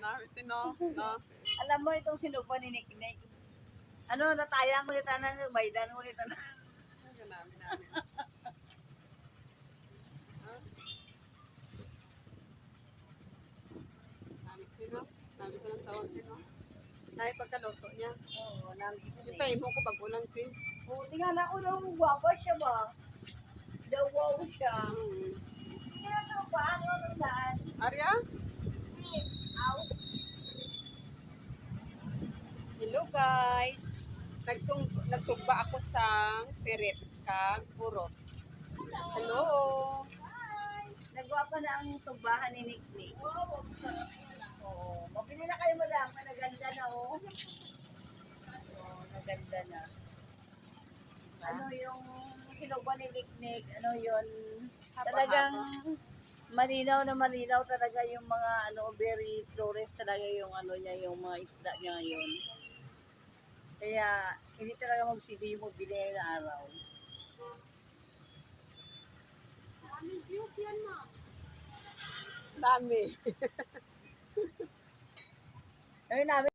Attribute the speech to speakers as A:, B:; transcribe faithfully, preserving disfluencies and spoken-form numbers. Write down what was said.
A: Namin tino, no?
B: Alam mo itong sinupa ni Nick Nick. Ano, natayang ko nito na, baydan ko nito na.
A: Ang namin namin. Namin tino, namin ko ng tawag tino. Namin pagkaluto niya.
B: Oo, namin ito.
A: Yung paimo ko pag ulang tin.
B: Oo, tingnan ako daw, guwapa siya ba? Daw wow siya.
A: Hmm.
B: Tingnan ko pa, ano nang daan?
A: Arya?
B: Aw.
A: Hello guys. Nagsung nagsugba ako sa pirit kag purot. Hello.
B: Nagwapa na ang tumbahan ni Nick Nick. Oo, oh, mabili na kayo madam, naganda na oh. Oh, naganda na. Ano yung sinuba ni Nick Nick, ano yun, talagang malinaw na malinaw talaga yung mga ano, very flores talaga yung ano niya, yung mga isda niya ngayon. Kaya hindi talaga magsisi yung mabili na araw.
A: Daming views yan, ma. Dami.
B: Ayun namin.